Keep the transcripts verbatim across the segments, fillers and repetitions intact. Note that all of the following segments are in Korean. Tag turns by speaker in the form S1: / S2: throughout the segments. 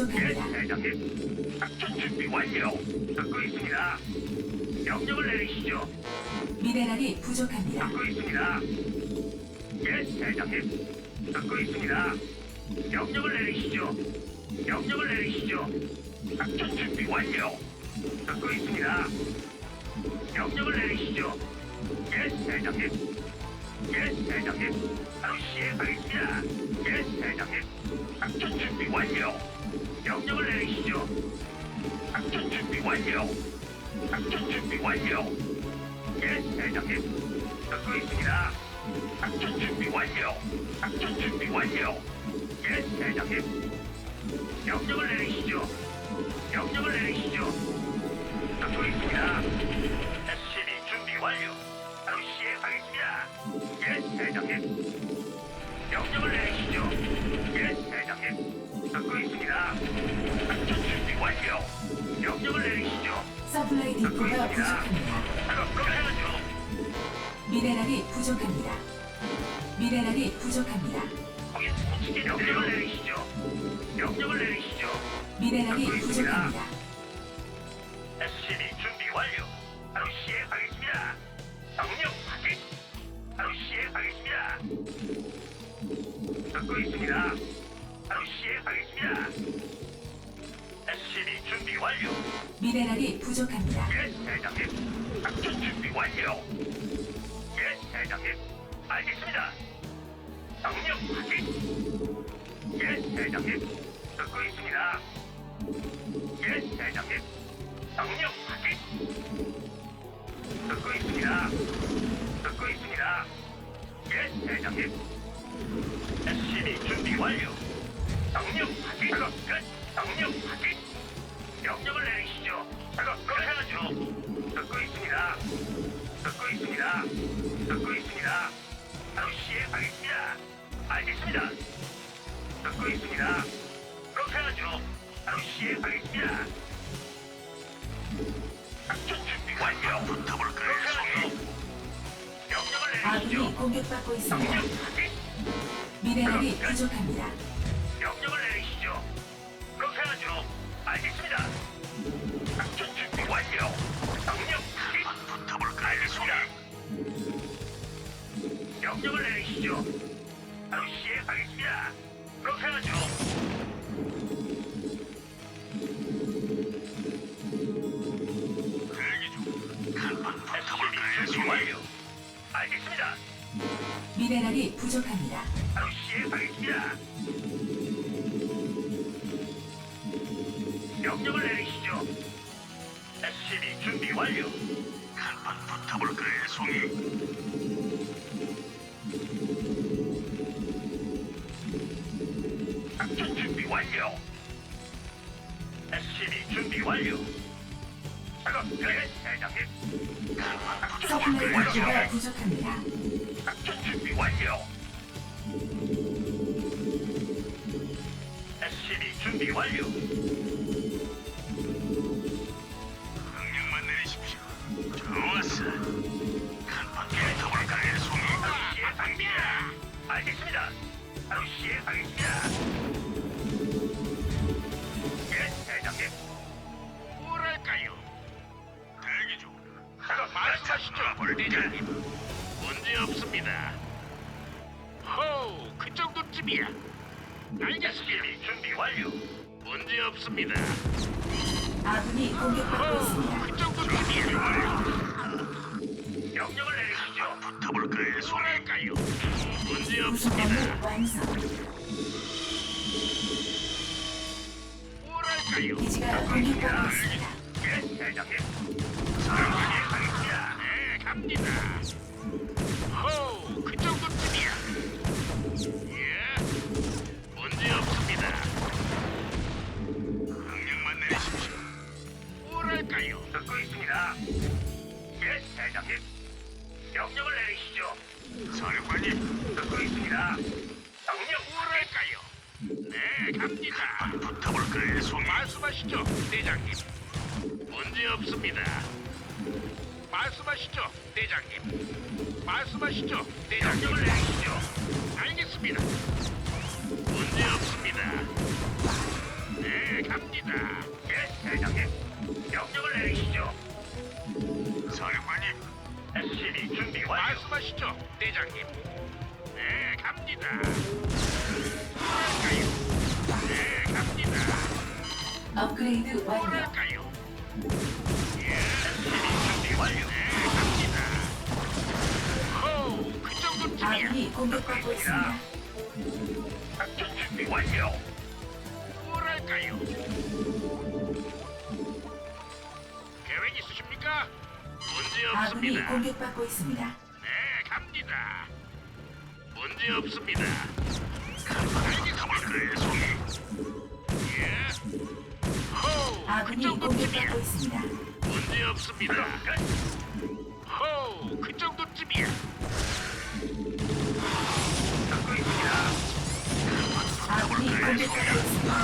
S1: 부족합니다.
S2: 대장님. 작전 준비 완료. 듣고 있습니다. 명령을 내리시죠.
S1: 미네랄이 부족합니다.
S2: 듣고 있습니다. 예, 대장님. 듣고 있습니다. 명령을 내리시죠. 명령을 내리시죠. 작전 준비 완료. 듣고 있습니다. 명령을 내리시죠. 예, 대장님. 예, 대장님. 바로 시행하겠습니다. 예, 대장님. 작전 준비 완료. 명령을 내리시죠. 작전 준비 완료. 작전 준비 완료. 예, 대장님. 듣고 있습니다. 작전 준비 완료. 작전 준비 완료. 예, 대장님. 명령을 내리시죠. 명령을 내리시죠. 듣고 있습니다. 에스씨비 준비 완료. 바로 시행하겠습니다. 예, 대장님. 명령을 내리시죠. 예, 대장님. 듣고 있습니다. 작전 준비 완료. 명령을 내리시죠.
S1: 서플라이
S2: 듣고
S1: 디포가
S2: 있습니다.
S1: 부족합니다.
S2: 작업 끝내야죠.
S1: 미네랄이 부족합니다. 미네랄이 부족합니다.
S2: 거기 붙이게 명령을 내리시죠. 명령을 내리시죠.
S1: 미네랄이
S2: 듣고 있습니다.
S1: 부족합니다.
S2: 에스씨비 준비 완료. 바로 시행하겠습니다. 명령 확인. 바로 시행하겠습니다. 듣고 있습니다. 바로 시행하겠습니다. 에스씨비 준비 완료.
S1: 미네랄이 부족합니다.
S2: 예, 대장님. 작전 준비 완료. 예, 대장님. 알겠습니다. 명령 확인. 예, 대장님. 듣고 있습니다. 예, 대장님. 명령 확인. 듣고 있습니다. 듣고 있습니다. 예, 대장님. 에스씨비 준비 완료. 명령 확인. 작업 끝. 명령 확인. 명령을 내리시죠. 작업 끝 해야죠. 듣고 있습니다. 듣고 있습니다. 듣고 있습니다. 바로 시행하겠습니다. 알겠습니다. 듣고 있습니다. 그렇게 하죠. 바로 시행하겠습니다. 작전 준비 완료. 붙어볼까요? 그렇게 하죠. 명령을 내리시죠.
S1: 아군이 공격받고 있습니다.
S2: 명령 확인.
S1: 미네랄이 부족합니다.
S2: 명령을 내리시죠. 그렇게 하죠. 알겠습니다. 작전 준비 완료. 명령 확인. 붙어볼까요? 알겠습니다. 명령을 내리시죠. 바로 시행하겠습니다. 그렇게 하죠. 대기 중. 간판 붙어볼까요? 준비 완료. 알겠습니다.
S1: 미네랄이 부족합니다.
S2: 바로 시행하겠습니다. 명령을 내리시죠. 에스씨비 준비 완료. 간판 붙어볼까요, 송이? 작전 준비 완료. 에스씨비 준비 완료. 작업 끝, 대장님. 간판
S1: 서플라이
S2: 붙어볼까요,
S1: 디포가
S2: 송이?
S1: 부족합니다.
S2: 작전 준비 완료. 에스씨비 준비 완료. 명령만 내리십시오. 좋았어. 간판 붙어볼까요, 송이? 바로 시행하겠습니다. 알겠습니다. 바로 시행하겠습니다. 예, 대장님. 뭐랄까요? 대기 중. 작업 말씀하시죠, 대장님. 문제 없습니다. 호우, 그 정도쯤이야. 알겠습니다. 준비 완료. 문제 없습니다.
S1: 아군이 공격받고 있습니다.
S2: 그 정도쯤이야. 명령을 내리시죠. 붙어볼까요, 소랄까요? 문제
S1: 구성함을
S2: 없습니다.
S1: 완성.
S2: 뭐랄까요?
S1: 기지가 공격받고 있습니다.
S2: 예, 대장님. 사랑하게 하겠습니다. 네, 갑니다. 호우, 그 정도쯤이야. 예, 문제 없습니다. 명령만 내리십시오. 뭐랄까요? 듣고 있습니다. 예, 대장님. 명령을 내리시죠. 사령관님, 듣고 있습니다. 명령 뭐랄까요? 네, 갑니다. 붙어볼까요, 송이? 말씀하시죠, 대장님. 문제 없습니다. 말씀하시죠, 대장님. 말씀하시죠, 대장님. 명령을 내리시죠. 알겠습니다. 문제 없습니다. 네, 갑니다. 예, 대장님. 명령을 내리시죠. 사령관님, 에스시비 준비 완료. 말씀하시죠, 대장님. 네, 갑니다. 뭐랄까요? 네, 갑니다.
S1: 업그레이드 완료.
S2: 뭐랄까요? 예, 에스시비 준비 완료. 네, 갑니다. 호우, 그 정도쯤이야.
S1: 아군이 공격받고 있습니다.
S2: 작전 준비 완료. 뭐랄까요? 계획 있으십니까? 문제
S1: 아군이
S2: 없습니다.
S1: 공격받고 있습니다.
S2: 네, 갑니다. 문제 없습니다. 알겠습니다. 송이. 예. 호우, 그
S1: 아군이
S2: 정도쯤이야.
S1: 공격받고 있습니다.
S2: 문제 없습니다. 호우, 그 정도쯤이야. 듣고 있습니다.
S1: 아군이 공격받고 있습니다.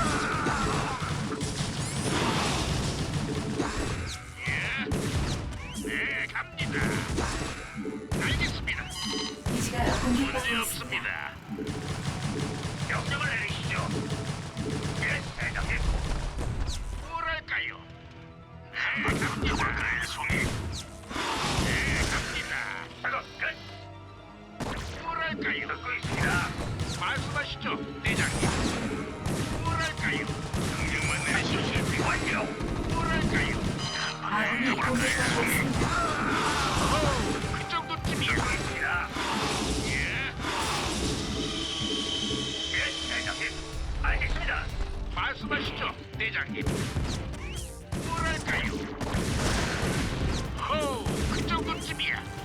S2: 예. 네, 갑니다. 알겠습니다.
S1: 기지가
S2: 문제
S1: 공격받고 있습니다.
S2: 없습니다. 명령을 내리시죠. 예, 대장님. 뭐랄까요? 네, 갑니다. 송이. 네, 갑니다. 작업 끝. 뭐랄까요? 듣고 있습니다. 말씀하시죠, 대장님. 뭐랄까요? 명령만 내리시죠. 완료. 뭐랄까요?
S1: 아군이 공격받고 있습니다.
S2: 호우, 그 정도쯤이야. 듣고 있습니다. 예. 예, 대장님. 알겠습니다. 말씀하시죠, 대장님. 뭐랄까요? 호우, 그 정도쯤이야.